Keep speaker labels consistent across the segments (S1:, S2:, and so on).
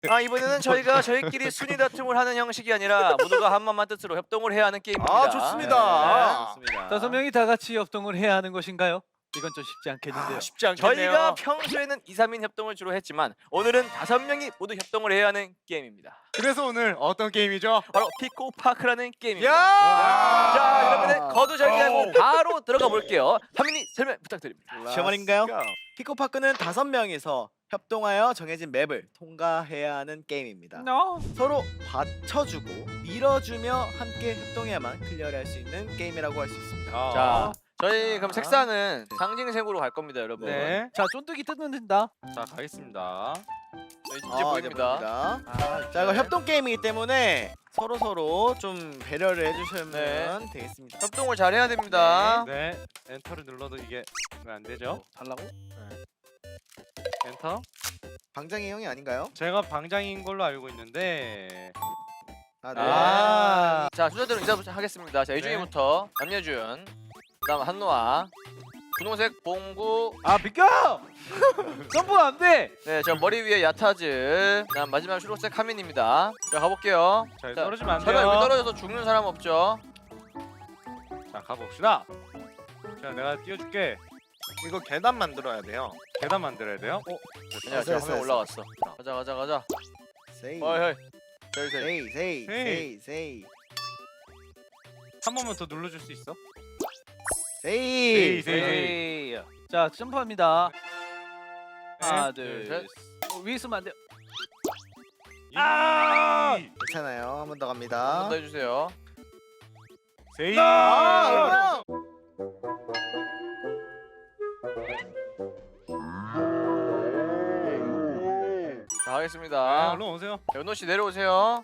S1: 이번에는 저희가 저희끼리 순위 다툼을 하는 형식이 아니라 모두가 한 마음만 뜻으로 협동을 해야 하는 게임입니다.
S2: 아, 좋습니다.
S1: 네, 좋습니다.
S3: 5명이 다 같이 협동을 해야 하는 것인가요? 이건 좀 쉽지 않겠는데요.
S2: 쉽지 않겠네요.
S1: 저희가 평소에는 2, 3인 협동을 주로 했지만 오늘은 5명이 모두 협동을 해야 하는 게임입니다.
S2: 그래서 오늘 어떤 게임이죠?
S1: 바로 피코파크라는 게임입니다.
S2: 야!
S1: 자, 여러분들 거두절미하고 바로 들어가 볼게요. 하민이 설명 부탁드립니다.
S4: 시험할인가요? 피코파크는 5명이서 협동하여 정해진 맵을 통과해야 하는 게임입니다. 서로 받쳐주고 밀어주며 함께 협동해야만 클리어를 할 수 있는 게임이라고 할 수 있습니다.
S1: 자, 저희 그럼 색상은 상징색으로 갈 겁니다, 여러분.
S2: 네.
S3: 자, 쫀득이 뜯는다.
S2: 자, 가겠습니다.
S1: 네, 이제 보입니다.
S4: 자, 이거 협동 게임이기 때문에 서로 좀 배려를 해주시면
S1: 네.
S4: 되겠습니다.
S1: 협동을 잘 해야 됩니다.
S2: 네. 엔터를 눌러도 이게 왜 안 되죠?
S3: 달라고?
S2: 엔터?
S4: 방장이 형이 아닌가요?
S2: 제가 방장인 걸로 알고 있는데.
S4: 아, 네.
S2: 아.
S1: 자, 순서대로 인사하겠습니다. 자, 이중이부터 남여준, 그다음 한노아, 분홍색 봉구,
S3: 아, 비켜! 점프 안 돼.
S1: 네, 저 머리 위에 야타즈, 그다음 마지막 초록색 하민입니다. 자, 가볼게요.
S2: 자,
S1: 자,
S2: 떨어지면 안
S1: 제발 여기
S2: 돼요.
S1: 떨어져서 죽는 사람 없죠?
S2: 자, 가봅시다. 자, 내가 띄워줄게.
S5: 이거 계단 만들어야 돼요.
S2: 계단 만들어야 돼요.
S1: 아니야, 저 화면 올라갔어. 가자.
S4: 세이.
S1: 어이, 저기.
S4: 세이.
S2: 한 번만 더 눌러줄 수 있어?
S4: 세이.
S2: 세이.
S3: 에이. 자, 점프합니다. 하나,
S1: 둘,
S3: 둘,
S1: 셋.
S3: 셋. 위에 있으면 안 돼요.
S2: 아!
S4: 괜찮아요. 한 번 더
S1: 한 번
S4: 갑니다.
S1: 더 해주세요.
S2: 세이.
S4: 아,
S1: 자,
S2: 아,
S1: 하겠습니다.
S2: 얼른 오세요.
S1: 연호 씨 내려오세요.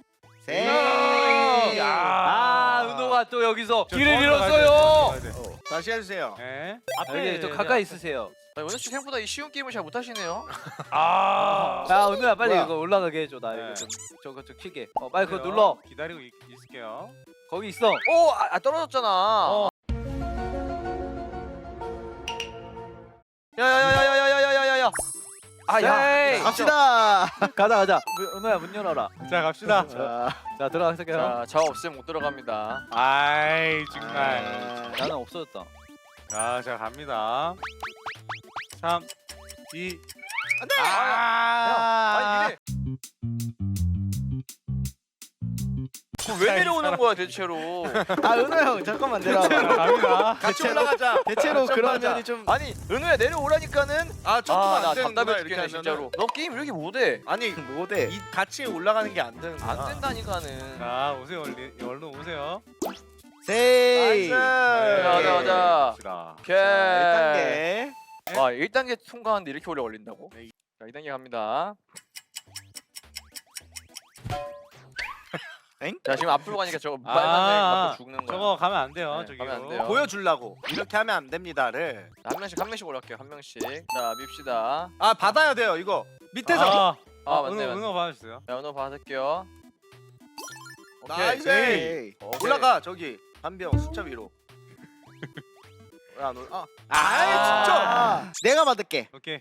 S4: 세이.
S3: 은호가 또 여기서
S2: 저
S3: 길을
S2: 도망가야 돼,
S3: 잃었어요.
S2: 도망가야 돼.
S5: 다시 해주세요.
S2: 네.
S3: 여기 좀 가까이 있으세요.
S1: 연호 씨 생각보다 이 쉬운 게임을 잘 못하시네요.
S2: 아.
S3: 야, 은호야 빨리
S4: 뭐야?
S3: 이거 올라가게 해줘. 나 이거
S2: 네.
S3: 좀 저거 좀 키게. 빨리 그거 눌러.
S2: 기다리고 있을게요.
S3: 거기 있어.
S1: 오, 떨어졌잖아. 야야야야야야야야야.
S3: 에이.
S4: 갑시다.
S3: 가자. 은호야 문 열어라.
S2: 자, 갑시다.
S3: 자, 들어가세요.
S1: 자, 저 없으면 못 들어갑니다.
S2: 아이, 정말.
S3: 나는 없어졌다.
S2: 자, 자, 갑니다. 3, 2.
S1: 아니 이래. 왜 내려오는 거야 대체로?
S4: 은호 형 잠깐만
S2: 자,
S4: 내려와.
S2: 갑니다.
S5: 같이 올라가자.
S4: 대체로 그런
S5: 점프하자.
S4: 면이 좀
S1: 아니 은호야 내려오라니까는.
S5: 아, 점프가
S1: 나
S5: 안 되는구나
S1: 답답해
S5: 이렇게
S1: 죽겠네
S5: 하면은.
S1: 진짜로. 너 게임 왜 이렇게 못해?
S5: 아니
S4: 못해.
S5: 이 같이 올라가는 게 안 되는.
S1: 안 된다니까는.
S2: 자, 오세요. 얼른 오세요.
S4: 세이.
S1: 가자.
S2: 갑시다.
S1: 오케이.
S4: 1단계.
S1: 와 1단계 통과하는데 이렇게 오래 걸린다고? 자 2단계 갑니다.
S4: 엥?
S1: 자 지금 앞으로 가니까 저거
S2: 아,
S1: 빨간색 앞으로 죽는 거야.
S2: 저거 가면 안 돼요.
S1: 네,
S2: 저기로.
S1: 가면 안 돼요.
S5: 보여주려고 이렇게 하면 안 됩니다를.
S1: 자, 한 명씩 올라갈게요. 한 명씩. 자 밉시다.
S5: 아, 받아야 돼요 이거. 밑에서.
S1: 맞네.
S2: 은호 받아주세요.
S1: 자 은호 받을게요. 오케이.
S5: 나이스.
S4: 세이.
S1: 오케이.
S5: 올라가 저기 한 병 숫자 위로. 아,
S1: 아.
S5: 진짜.
S4: 내가 받을게.
S2: 오케이.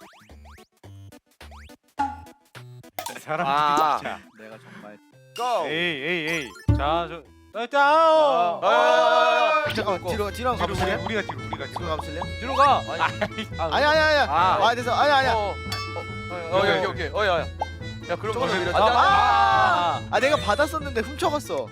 S2: 사람
S5: 아.
S2: 진짜.
S3: 내가 정말
S5: 고.
S2: 에이. 자, 저.
S4: 잠깐만 뒤로 한번 가보실래요?
S2: 우리가 뒤로.
S4: 뒤로 가보실래요?
S3: 뒤로 가.
S4: 아니야.
S1: 아.
S4: 됐어. 아니야.
S1: 오케이. 야 그럼
S4: 조금만
S1: 안 돼,
S4: 밀어줘.
S1: 안 돼.
S4: 아, 내가 받았었는데 훔쳐갔어.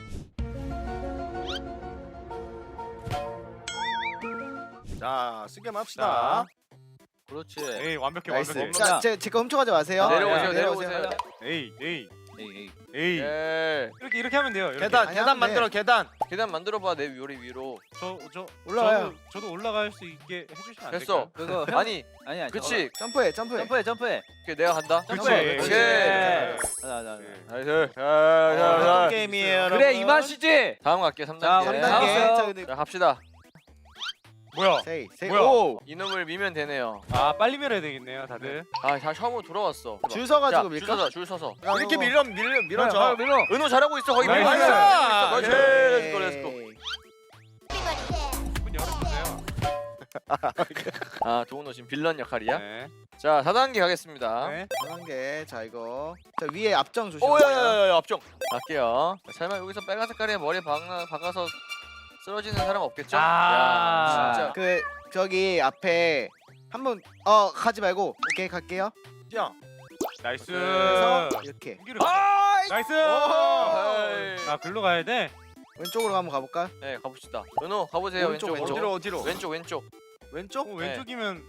S5: 자, 쓰게만 합시다.
S3: 그렇지.
S2: 에이, 완벽해.
S4: 나이스. 자, 제거 훔쳐가지 마세요.
S1: 내려오세요.
S2: 에이.
S3: 에이.
S1: 예.
S2: 이렇게 하면 돼요. 이렇게.
S5: 계단,
S4: 아니,
S5: 계단
S4: 하면
S5: 만들어 계단.
S1: 계단 만들어봐 내 위로.
S2: 저
S4: 올라와요.
S2: 저도 올라갈 수 있게 해주시면 안
S1: 됐어.
S2: 될까요?
S3: 그거
S1: 아니
S3: 아니야.
S1: 그치.
S4: 점프해.
S3: 점프해.
S1: 오케이 내가 간다.
S2: 그치.
S1: 오케이.
S3: 자.
S1: 나이스.
S5: 어떤 게임이에요, 여러분?
S3: 그래 이 맛이지.
S1: 다음 갈게 3단계.
S3: 자,
S4: 3단계.
S3: 알았어요.
S4: 자, 근데
S1: 자 갑시다.
S2: 뭐야?
S4: 세이.
S2: 뭐야?
S1: 오 이놈을 미면 되네요.
S2: 아, 빨리 밀어야 되겠네요, 다들.
S1: 다 처음으로 돌아왔어.
S4: 줄 서가지고
S1: 자,
S4: 밀까?
S1: 줄 서서.
S5: 이렇게 밀어줘.
S3: 밀어.
S1: 은호 잘하고 있어. 거기
S2: 나이스.
S1: 밀고 있어.
S5: 나이스.
S1: 나이스. 렛츠고.
S2: 문 열어주세요.
S1: 아 도훈호 지금 빌런 역할이야?
S2: 네.
S1: 자 4단계 가겠습니다.
S2: 네.
S4: 4단계. 자 이거. 자 위에 앞정 조심하세요.
S1: 오야야야야 앞정. 갈게요. 설마 여기서 빨간 색깔에 머리에 박아서 쓰러지는 사람 없겠죠?
S2: 아.
S1: 야 진짜.
S4: 그 저기 앞에 한번 가지 말고 오케이 갈게요.
S2: 나이스.
S4: 그래서 이렇게
S2: 나이스.
S1: 에이.
S2: 아 글로 가야 돼.
S4: 왼쪽으로 한번 가볼까?
S1: 네 가봅시다. 은호 가보세요.
S4: 오른쪽,
S1: 왼쪽으로.
S5: 어디로?
S1: 왼쪽 왼쪽.
S5: 왼쪽?
S2: 왼쪽이면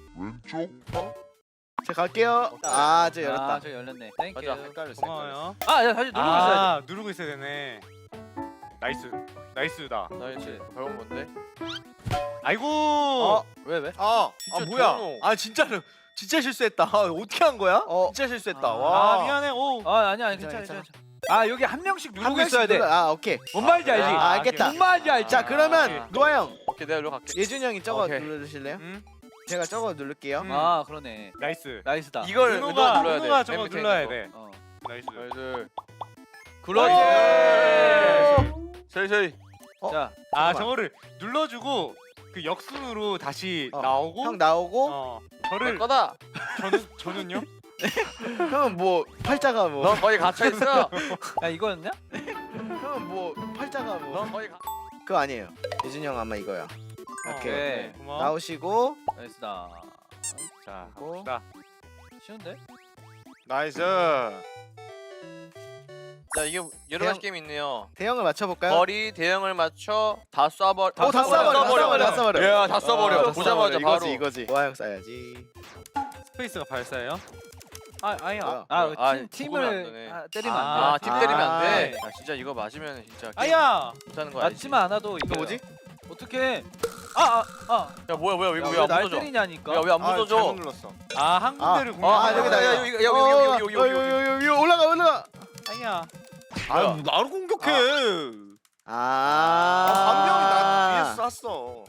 S4: 자 갈게요. 저 열었다.
S3: 저 열렸네. 땡큐.
S1: 맞아.
S5: 헷갈렸어.
S2: 고마워요.
S3: 아, 야, 다시 누르고 있어야
S2: 아 누르고 있어야 되네. 나이스. 나이스다.
S1: 나이스. 밟은 건데.
S2: 아이고.
S1: 왜?
S5: 진짜
S1: 뭐야?
S5: 뭐야? 아 진짜로 진짜 실수했다. 어떻게 한 거야? 진짜 실수했다.
S3: 아,
S5: 와.
S2: 아 미안해. 오.
S3: 돼. 아니야, 괜찮아,
S4: 괜찮아.
S3: 괜찮아. 아, 여기 한 명씩
S4: 한
S3: 누르고
S4: 명씩
S3: 있어야 돼.
S4: 눌러. 오케이.
S3: 뭔 말인지 알지?
S4: 아, 알겠다.
S3: 뭔 말인지 알지?
S4: 자 그러면
S2: 오케이.
S4: 노아 형,
S1: 오케이 내가 일로 갈게.
S4: 예준이 형이 저거
S1: 오케이.
S4: 눌러주실래요?
S2: 음.
S4: 제가 저거 누를게요.
S2: 음.
S3: 아, 그러네.
S2: 나이스.
S3: 나이스다.
S1: 이걸
S2: 은호가
S1: 눌러야 돼.
S2: 은호가 저거
S1: 맨 밑에
S2: 눌러야
S1: 있는
S2: 돼.
S3: 어.
S2: 나이스.
S1: 거. 나이스.
S2: 나이스.
S1: 세이.
S3: 자,
S2: 아
S4: 잠깐만.
S2: 저거를 눌러주고 그 역순으로 다시
S4: 어,
S2: 나오고.
S4: 형 나오고
S1: 내
S2: 저를
S1: 거다.
S2: 저는요?
S4: 형은 뭐 팔자가 뭐
S1: 넌 거의 갇혀 있어.
S3: 야, 이거였냐?
S4: 형은 뭐 팔자가 뭐
S1: 넌 거의
S4: 그거 아니에요. 예준이 형 아마 이거야. 오케이.
S3: 오케이.
S2: 고마워.
S4: 나오시고
S3: 나이스다.
S2: 자,
S4: 하고.
S2: 갑시다.
S3: 쉬운데?
S5: 나이스.
S1: 자 이게 여러 가지 게임이 있네요.
S4: 대형을 맞춰볼까요?
S1: 거리 대형을 맞춰 다 쏴버려.
S4: 다 쏴버려. 다 쏴버려.
S1: 야, 다 쏴버려. 보자마자 바로.
S4: 이거지. 노아 형 쏴야지.
S2: 스페이스가 발사예요?
S4: 뭐야?
S1: 아,
S3: 팀을
S1: 죽으면 안 되네.
S3: 때리면 안 돼.
S1: 아, 팀 때리면 안 돼.
S2: 네.
S1: 야, 진짜 이거 맞으면 진짜 게임
S2: 아야!
S1: 못하는 거 아니지?
S3: 맞지만 않아도 이거
S4: 뭐지?
S3: 어떻게?
S1: 야, 뭐야?
S3: 야,
S1: 이거
S3: 왜
S1: 왜안
S3: 날
S1: 묻어져?
S3: 때리냐니까.
S1: 야, 왜 안
S5: 잘못
S1: 묻어져?
S5: 눌렀어.
S2: 아, 한 군데를
S4: 아,
S2: 공략.
S4: 여기다,
S1: 야,
S4: 여기다.
S1: 여기.
S4: 올라가.
S2: 아야.
S5: 아, 나를 공격해.
S4: 한
S5: 한 명이 나 위에 쐈어.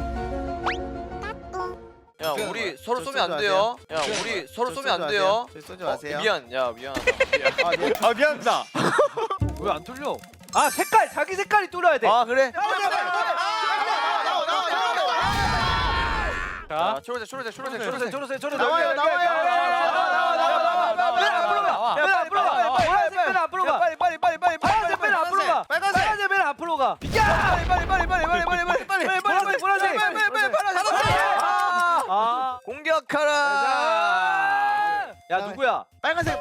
S1: 야, 우리 서로
S4: 저
S1: 쏘면 안 돼요. 야, 우리 서로 쏘면 안 돼요.
S4: 저 쏘지 마세요.
S1: 미안. 야, 미안.
S5: 아 미안하다.
S3: 왜 안 뚫려? 아, 색깔 자기 색깔이 뚫어야 돼.
S1: 아, 그래?
S2: 자,
S1: 초록색.
S3: 초록색.
S4: 나와요.
S3: 맨 앞으로 가. 보라색 맨 앞으로 가. 빨리. 파란색 맨 앞으로 가. 빨간색 맨 앞으로 가. 야! 빨리. 보라색. 아.
S1: 공격하라.
S3: 야, 누구야?
S4: 빨간색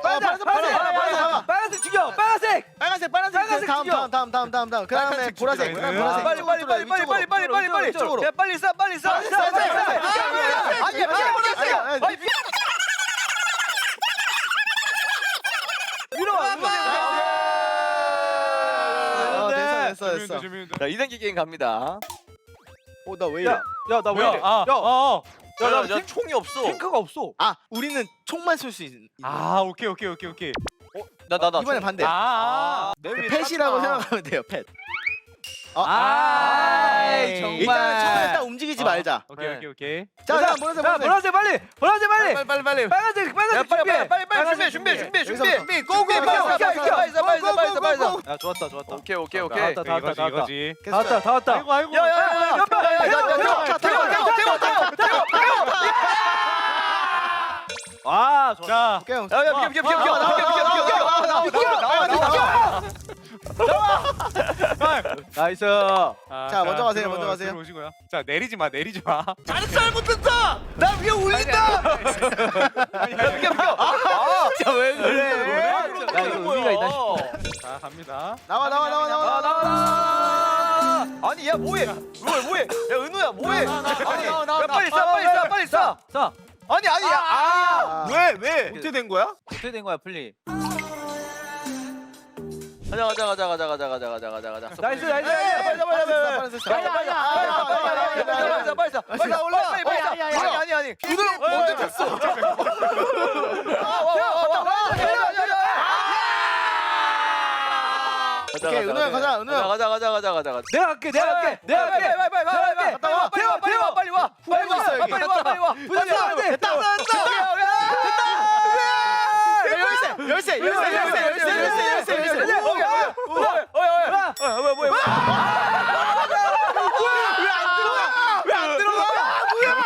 S3: 죽여. 빨간색.
S4: 빨간색
S3: 죽여.
S4: 다음 그다음에
S5: 빨간색
S4: 보라색
S5: 죽이라
S4: 보라색
S3: 빨리.
S4: 이쪽으로.
S3: 야, 빨리 쏴.
S4: 됐어.
S1: 자, 2단계 게임 갑니다.
S4: 나 왜 이래?
S3: 야, 나 왜
S2: 뭐야?
S3: 이래?
S1: 야,
S3: 나
S1: 총이 없어.
S3: 탱크가 없어.
S4: 우리는 총만 쏠 수 있는.
S2: 아, 오케이.
S1: 나.
S4: 이번엔 반대.
S2: 내 위에
S4: 펫이라고
S2: 탔구나.
S4: 생각하면 돼요. 펫.
S3: 아이,
S4: 일단
S3: 정말.
S4: 처음에 일단 움직이지 말자.
S2: 오케이.
S4: 자, 보라색.
S3: 빨리.
S1: 빨리.
S3: 빨간색 준비해.
S1: 고고.
S3: 야, 좋았다.
S1: 오케이.
S3: 다 왔다.
S2: 이거지.
S3: 다 왔다.
S2: 아이고.
S3: 아, 좋았다.
S2: 자,
S4: 오케이 형.
S3: 나이스.
S4: 자, 먼저 가세요.
S2: 들어오시고요. 자, 내리지 마.
S5: 잘 못했다. 나 위에 올린다.
S1: 진짜 왜 그래?
S3: 야, 이거 의미가 있나 싶어.
S2: 자, 갑니다.
S4: 나와.
S1: 아니, 야, 뭐해? 야, 은우야, 뭐해? 아니, 야, 빨리 쏴.
S3: 자,
S1: 아니, 야.
S5: 왜? 어떻게 된 거야?
S3: 어떻게 된 거야, 플리?
S1: 가자.
S3: 나이스.
S1: 빨리 올라. 아니.
S5: 오늘 언제 탔어?
S4: 오케이, 은호야 가자.
S1: 가자.
S3: 내가 갈게.
S1: 빨리 와.
S3: 됐다.
S4: 열쇠.
S1: 왜안 들어가?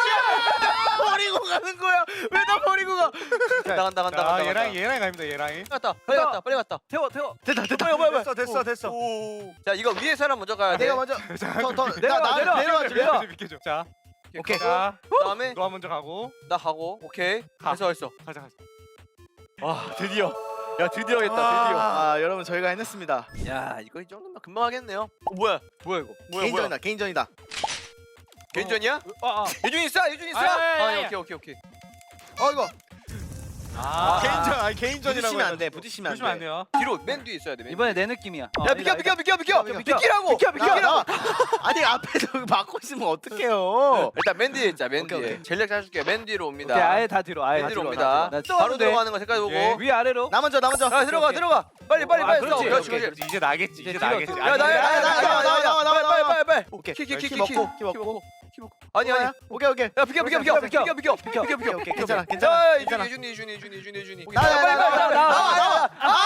S4: 버리고 가는 거야? 왜 나 버리고 가?
S2: 자, 얘랑 갑니다. 얘랑.
S1: 갔다. 빨리 갔다.
S3: 태워.
S4: 됐다.
S5: 됐어.
S1: 자, 이거 위에 사람 먼저 가야 돼.
S4: 내가 먼저
S3: 내려와.
S4: 내려와.
S2: 비켜줘. 자,
S4: 오케이.
S2: 자,
S1: 그다음에
S2: 노아 먼저 가고.
S1: 나 가고. 오케이.
S2: 가.
S1: 했어.
S2: 가자.
S1: 와, 드디어. 야, 드디어 했다.
S4: 아 여러분 저희가 해냈습니다.
S1: 드디어. 야, 이거 이 정도면 금방 하겠네요. 뭐야 이거?
S4: 개인전이다. 개인전이다.
S1: 개인전이야? 예준이 있어. 오케이.
S4: 이거
S5: 개인전이라고.
S4: 부딪히면 안 돼. 부딪히면
S2: 보시면
S4: 안
S2: 안
S4: 돼.
S2: 돼요.
S1: 뒤로 맨 뒤에 있어야 돼. 맨.
S3: 이번에 내 느낌이야.
S1: 야, 비켜. 비키라고.
S4: 나와. 아니 앞에서 막고 있으면 어떡해요?
S1: 일단 맨 뒤에 있자. 맨
S4: 오케이,
S1: 뒤에.
S4: 오케이.
S1: 전략 짜줄게. 맨 뒤로 옵니다.
S3: 오케이, 아예 다 뒤로. 아예
S1: 맨
S3: 다
S1: 뒤로
S3: 뒤로.
S1: 옵니다.
S3: 나
S1: 바로 들어가는 거 색깔 보고.
S2: 예.
S3: 위 아래로.
S4: 나 먼저.
S1: 야, 들어가. 빨리.
S3: 그렇지.
S1: 그렇지.
S2: 이제 나겠지. 이제
S3: 뒤로,
S2: 나겠지.
S3: 뒤로.
S1: 야, 나야. 빨리.
S4: 오케이.
S1: 키
S4: 키 먹고.
S1: 아니.
S4: 오케이.
S1: 야, 비켜.
S4: 오케이. 괜찮아.
S1: 자,
S4: 괜찮아.
S1: 예준이.
S4: 나와.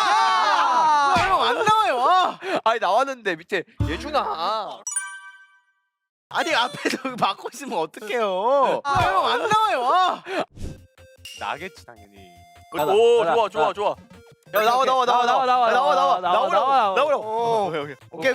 S4: 형안 나와요.
S1: 아니, 나왔는데 밑에 예준아.
S4: 아니 앞에서 막고 있으면 어떡해요? 형안 나와요.
S2: 나겠지 당연히.
S1: 오, 좋아. 야, 나오라고.
S4: 오케이.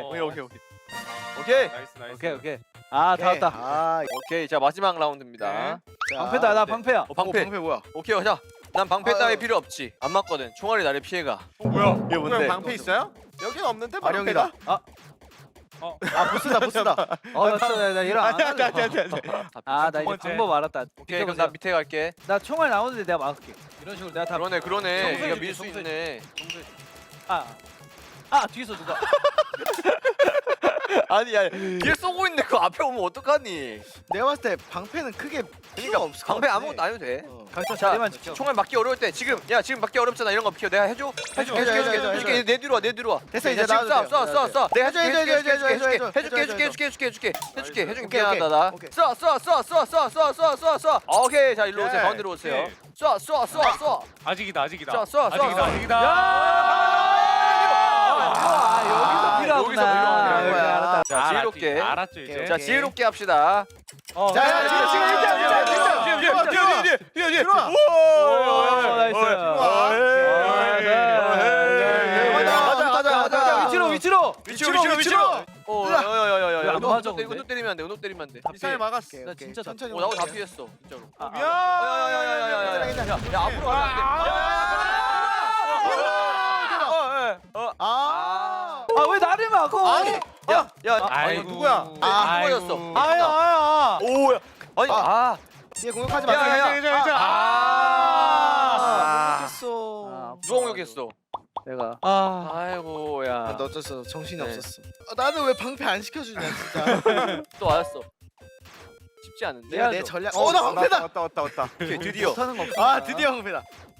S2: 나이스.
S3: 오케이. 아, 다 왔다.
S4: 아,
S1: 오케이. 자, 마지막 라운드입니다.
S2: 네.
S3: 방패다. 나 방패야.
S1: 방패.
S4: 방패 뭐야?
S1: 오케이, 자. 난 방패 따위
S4: 아유.
S1: 필요 없지. 안 맞거든. 총알이 나를 피해가.
S2: 뭐야?
S4: 이게 뭔데?
S5: 방패 있어요? 여긴 없는데
S4: 아령이다. 보스다.
S3: 나 이런 안 할래. 나
S2: 두
S3: 이제
S2: 번째.
S3: 방법 알았다.
S1: 오케이, 그럼 나 밑에 갈게.
S3: 나 총알 나오는데 내가 막을게. 이런 식으로 내가 다.
S1: 그러네.
S3: 청소해
S1: 네가
S3: 줄게,
S1: 밀 수
S3: 청소해
S1: 있네.
S3: 뒤에서 누가?
S1: 아니, 야, 뒤에 쏘고 있는데 그 앞에 오면 어떡하니?
S4: 내가 봤을 때 방패는 크게 필요가 없을 것
S1: 방패
S4: 같아.
S1: 아무것도 안 해도 돼.
S3: 각자
S1: 자,
S3: 자리만 지켜.
S1: 총알 맞기 어려울 때 지금 맞기 어렵잖아. 이런 거 비켜. 내가 해줘. 해줄게. 내 뒤로 와.
S4: 됐어, 이제
S1: 지금
S4: 나와도 돼요.
S1: 쏴. 내가
S4: 해줘.
S1: 해줄게.
S4: 오케이,
S1: 미안하다 나.
S4: 오케이.
S1: 쏴. 오케이. 자, 일로 오세요.
S2: 오케이.
S1: 가운데로 오세요.
S2: 오케이.
S1: 쏴.
S2: 아직이다.
S1: 쏴.
S3: 여기서 필요하구나.
S1: 여기서 필요한 거야.
S3: 알았다.
S1: 자, 지혜롭게.
S2: 알았죠 이제.
S4: 오케이.
S1: 자, 지혜롭게 합시다.
S4: 자, 지금 들어와.
S3: 위치로.
S1: 위치로.
S3: 야, 안 맞아, 근데?
S1: 운동 때리면 안 돼. 운동 때리면 안 돼.
S5: 미사일 막았어.
S3: 나 진짜
S4: 천천히.
S1: 오, 나도 다 피했어. 진짜로.
S4: 괜찮아.
S1: 야, 앞으로 가면 안 돼.
S3: 왜 나를 막어?
S1: 아니,
S2: 아이고.
S1: 누구야? 누구였어? 오야. 아니,
S4: 뒤에 공격하지
S1: 야,
S4: 마세요.
S1: 야,
S4: 공격했어.
S1: 누가 공격했어?
S3: 내가.
S1: 아이고야.
S4: 너 어쩔 정신이
S1: 네.
S4: 없었어. 나는 왜 방패 안 시켜주냐 진짜.
S1: 또 왔어. 쉽지 않은데.
S4: 내가 내 전략. 나 방패다.
S5: 왔다.
S1: 오케이, 드디어.
S3: 못하는 거 없어.
S4: 드디어 방패다.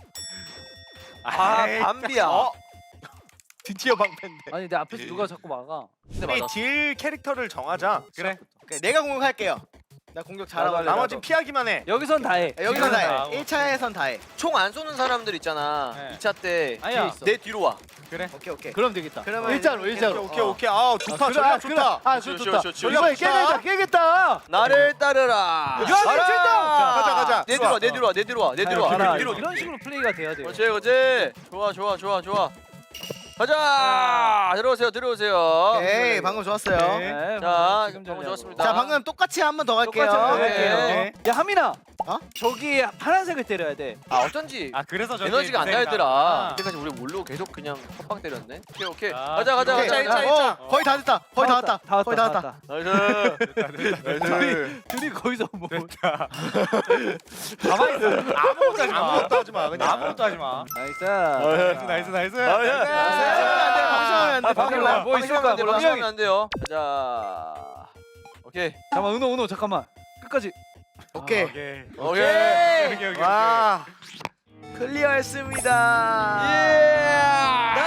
S1: 밤비야.
S5: 드디어 방패인데.
S3: 아니 내 앞에서 누가 자꾸 막아.
S1: 근데
S5: 우리
S1: 맞아.
S5: 딜 캐릭터를 정하자.
S2: 그래.
S4: 오케이, 내가 공격할게요. 나 공격 잘하고.
S3: 나도
S5: 나머지는 피하기만 해.
S3: 여기선 다 해.
S4: 여기선 다
S2: 아,
S4: 해. 1차에선 다 해.
S1: 총 안 쏘는 사람들 있잖아.
S2: 네.
S1: 2차 때
S3: 아니야.
S1: 내 뒤로 와.
S4: 오케이.
S3: 그럼 되겠다.
S4: 그러면
S3: 일자로.
S5: 오케이. 아 좋다. 전략 좋다.
S1: 좋다.
S3: 이번에 깨겠다.
S1: 나를 따르라.
S5: 가자.
S1: 내 뒤로 와.
S3: 이런 식으로 플레이가 돼야 돼요.
S1: 그렇지. 좋아. 가자. 들어오세요.
S4: 오케이, 방금 좋았어요.
S3: 네,
S1: 자,
S3: 지금
S1: 방금
S3: 전략으로.
S1: 좋았습니다.
S4: 자, 방금 똑같이 한 번 더 갈게요.
S3: 똑같이 한번
S1: 오케이.
S3: 갈게요. 야 하민아.
S4: 어?
S3: 저기 파란색을 때려야 돼.
S1: 어쩐지
S2: 그래서 저기
S1: 에너지가 안
S2: 고생이다.
S1: 달더라. 그때까지 우리 몰로 계속 그냥 헛방 때렸네. 오케이.
S2: 자,
S1: 가자.
S4: 오케이.
S5: 일자.
S4: 거의 다 됐다. 거의 다 왔다. 거의 다 왔다.
S1: 나이스.
S3: 둘이 거기서 뭐.
S2: 가만히 있어. 아무것도 하지 마.
S5: 아무것도 하지 마. 그냥.
S2: 아무것도 하지 마.
S3: 나이스.
S2: 나이스.
S4: 방심하면 안 돼.
S3: 뭐 있을까? 몰라.
S1: 방심하면 안 돼요. 가자. 오케이.
S3: 잠깐만 은호 잠깐만. 끝까지.
S4: 오케이.
S1: 오케이.
S5: 와.
S4: 클리어했습니다.
S1: 예.